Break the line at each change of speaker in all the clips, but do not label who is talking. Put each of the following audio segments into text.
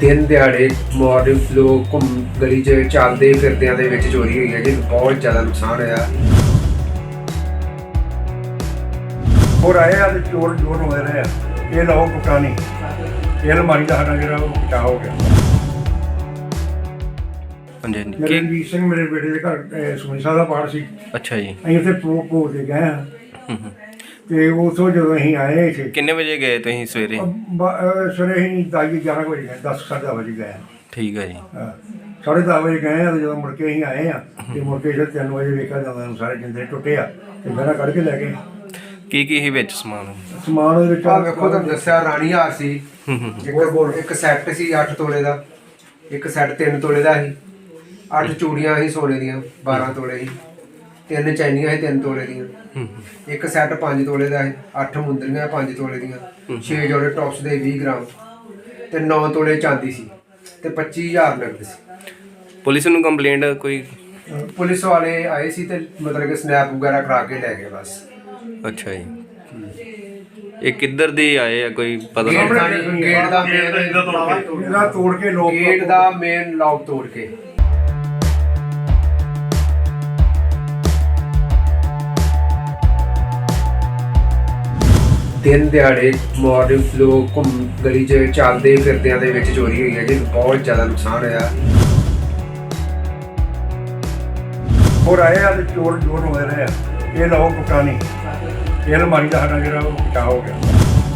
ਦਿਨ ਦਿਹਾੜੇ ਮਾਰਨਿੰਗ ਲੋਕ ਗਲੀ 'ਚ ਚੱਲਦੇ ਫਿਰਦਿਆਂ ਦੇ ਵਿੱਚ ਚੋਰੀ ਹੋਈ ਹੈ ਜੀ। ਬਹੁਤ ਜ਼ਿਆਦਾ ਨੁਕਸਾਨ ਹੋਇਆ।
और आए आ चोर जोर हो रहे हैं ये लाओ पुटानी ये अलमारी का साडा ਜਿਹੜਾ ਉਹ ਪਟਾ ਹੋ ਗਿਆ।
ਹਾਂਜੀ ਹਾਂਜੀ
ਮੇਰੇ ਰਣਜੀਤ ਸਿੰਘ ਮੇਰੇ ਬੇਟੇ ਦੇ ਘਰ ਸੁਖਮਨੀ ਸਾਹਿਬ ਦਾ ਪਾਠ ਸੀ।
ਅੱਛਾ ਜੀ।
ਅਸੀਂ ਉੱਥੇ ਭੋਗ ਦੇ ਗਏ ਹਾਂ ਤੇ ਉਥੋਂ ਜਦੋਂ ਅਸੀਂ ਆਏ ਇੱਥੇ
ਕਿੰਨੇ ਵਜੇ ਗਏ ਤੁਸੀਂ ਸਵੇਰੇ?
ਸਵੇਰੇ ਅਸੀਂ 11 ਵਜੇ ਗਏ 10 ਵਜੇ ਗਏ।
ਠੀਕ ਹੈ ਜੀ।
ਹਾਂ 10:30 ਵਜੇ ਗਏ ਆ ਤੇ ਜਦੋਂ ਮੁੜ ਕੇ ਅਸੀਂ ਆਏ ਆ ਤੇ ਮੁੜ ਕੇ ਫਿਰ 3 ਵਜੇ ਵੇਖਿਆ ਜਾਂਦਾ ਸਾਰੇ ਜਿੰਦੇ ਟੁੱਟੇ ਆ ਤੇ ਮੇਰਾ ਕੱਢ ਕੇ ਲੈ ਗਏ।
ਕੀ ਕੀ ਸੀ ਵਿੱਚ ਸਮਾਨ?
ਸਮਾਨ ਉਹਦੇ ਵਿੱਚ
ਆ ਵੇਖੋ ਤੁਹਾਨੂੰ ਦੱਸਿਆ ਰਾਣੀ ਹਾਰ ਸੀ, ਇੱਕ ਸੈੱਟ ਸੀ 8 ਤੋਲੇ ਦਾ, ਇੱਕ ਸੈੱਟ 3 ਤੋਲੇ ਦਾ ਸੀ, 8 ਚੂੜੀਆਂ ਸੀ ਸੋਨੇ ਦੀਆਂ 12 ਤੋਲੇ ਸੀ, 3 ਚੈਨੀਆਂ ਸੀ 3 ਤੋਲੇ ਦੀਆਂ, ਇੱਕ ਸੈੱਟ 5 ਤੋਲੇ ਦਾ ਸੀ, 8 ਮੁੰਦਰੀਆਂ 5 ਤੋਲੇ ਦੀਆਂ, 6 ਜੋੜੇ ਟੌਪਸ ਦੇ 20 ਗ੍ਰਾਮ ਤੇ 9 ਤੋਲੇ ਚਾਂਦੀ ਸੀ ਤੇ 25000 ਨਕਦ ਸੀ।
ਪੁਲਿਸ ਨੂੰ ਕੰਪਲੇਂਟ ਕੋਈ?
ਪੁਲਿਸ ਵਾਲੇ ਆਏ ਸੀ ਤੇ ਮਤਲਬ ਕਿ ਸਨੈਪ ਵਗੈਰਾ ਕਰਾ ਕੇ ਲੈ ਗਏ ਬਸ।
ਅੱਛਾ ਜੀ। ਇਹ ਕਿੱਧਰ ਦੇ ਆਏ ਆ ਕੋਈ ਪਤਾ
ਗੇਟ
ਨਹੀਂ?
ਦਾ ਮੇਨ
ਇਹਦਾ ਤੋੜ ਕੇ ਲੋਕ
ਗੇਟ ਦਾ ਮੇਨ ਲੌਕ ਤੋੜ ਕੇ। ਦਿਨ ਦਿਹਾੜੇ ਮਾਰਨਿੰਗ ਲੋਕ ਗਲੀ 'ਚ ਚੱਲਦੇ ਫਿਰਦਿਆਂ ਦੇ ਵਿੱਚ ਚੋਰੀ ਹੋਈ ਹੈ ਜੀ। ਬਹੁਤ ਜ਼ਿਆਦਾ ਨੁਕਸਾਨ ਹੋਇਆ।
और आए आ चोर जोर हो रहे हैं ये लाओ पुटानी ये अलमारी का साडा ਜਿਹੜਾ ਉਹ ਪਟਾ ਹੋ ਗਿਆ।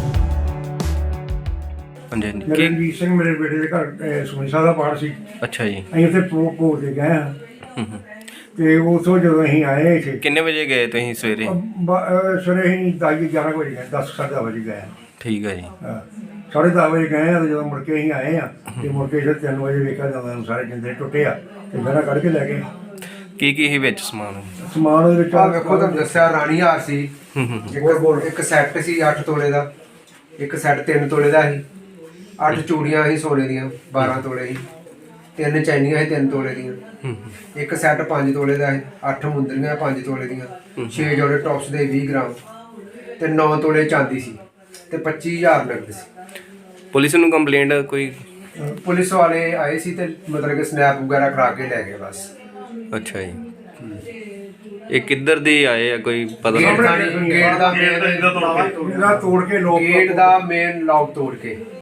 ਹਾਂਜੀ ਹਾਂਜੀ
ਮੇਰੇ ਰਣਜੀਤ ਸਿੰਘ ਮੇਰੇ ਬੇਟੇ ਦੇ ਘਰ ਸੁਖਮਨੀ ਸਾਹਿਬ ਦਾ ਪਾਠ ਸੀ।
ਅੱਛਾ ਜੀ।
ਅਸੀਂ ਉੱਥੇ ਭੋਗ ਦੇ ਗਏ ਹਾਂ ਤੇ ਉਥੋਂ ਜਦੋਂ ਅਸੀਂ ਆਏ ਇੱਥੇ
ਕਿੰਨੇ ਵਜੇ ਗਏ ਤੁਸੀਂ ਸਵੇਰੇ?
ਸਵੇਰੇ ਅਸੀਂ 11 ਵਜੇ ਗਏ 10 ਵਜੇ ਗਏ।
ਠੀਕ ਹੈ ਜੀ।
ਹਾਂ 10:30 ਵਜੇ ਗਏ ਆ ਤੇ ਜਦੋਂ ਮੁੜ ਕੇ ਅਸੀਂ ਆਏ ਆ ਤੇ ਮੁੜ ਕੇ ਫਿਰ 3 ਵਜੇ ਵੇਖਿਆ ਜਾਂਦਾ ਸਾਰੇ ਜਿੰਦੇ ਟੁੱਟੇ ਆ ਤੇ ਮੇਰਾ ਕੱਢ ਕੇ ਲੈ ਗਏ।
ਕੀ ਕੀ ਸੀ ਵਿੱਚ ਸਮਾਨ?
ਸਮਾਨ ਉਹਦੇ ਵਿੱਚ
ਆ ਵੇਖੋ ਤੁਹਾਨੂੰ ਦੱਸਿਆ ਰਾਣੀ ਹਾਰ ਸੀ, ਇੱਕ ਸੈੱਟ ਸੀ 8 ਤੋਲੇ ਦਾ, ਇੱਕ ਸੈੱਟ 3 ਤੋਲੇ ਦਾ ਸੀ, 8 ਚੂੜੀਆਂ ਸੀ ਸੋਨੇ ਦੀਆਂ 12 ਤੋਲੇ ਸੀ, 3 ਚੈਨੀਆਂ ਸੀ 3 ਤੋਲੇ ਦੀਆਂ, ਇੱਕ ਸੈੱਟ 5 ਤੋਲੇ ਦਾ ਸੀ, 8 ਮੁੰਦਰੀਆਂ 5 ਤੋਲੇ ਦੀਆਂ, 6 ਜੋੜੇ ਟੌਪਸ ਦੇ 20 ਗ੍ਰਾਮ ਤੇ 9 ਤੋਲੇ ਚਾਂਦੀ ਸੀ ਤੇ 25000 ਨਕਦ ਸੀ।
ਪੁਲਿਸ ਨੂੰ ਕੰਪਲੇਂਟ ਕੋਈ?
ਪੁਲਿਸ ਵਾਲੇ ਆਏ ਸੀ ਤੇ ਮਤਲਬ ਕਿ ਸਨੈਪ ਵਗੈਰਾ ਕਰਾ ਕੇ ਲੈ ਗਏ ਬਸ।
ਅੱਛਾ ਜੀ। ਇਹ ਕਿੱਧਰ ਦੇ ਆਏ ਆ ਕੋਈ ਪਤਾ ਨਹੀਂ?
ਗੇਟ ਦਾ ਮੇਨ
ਇਹਦਾ ਤੋੜ ਕੇ ਲੋਕ
ਗੇਟ ਦਾ ਮੇਨ ਲੌਕ ਤੋੜ ਕੇ।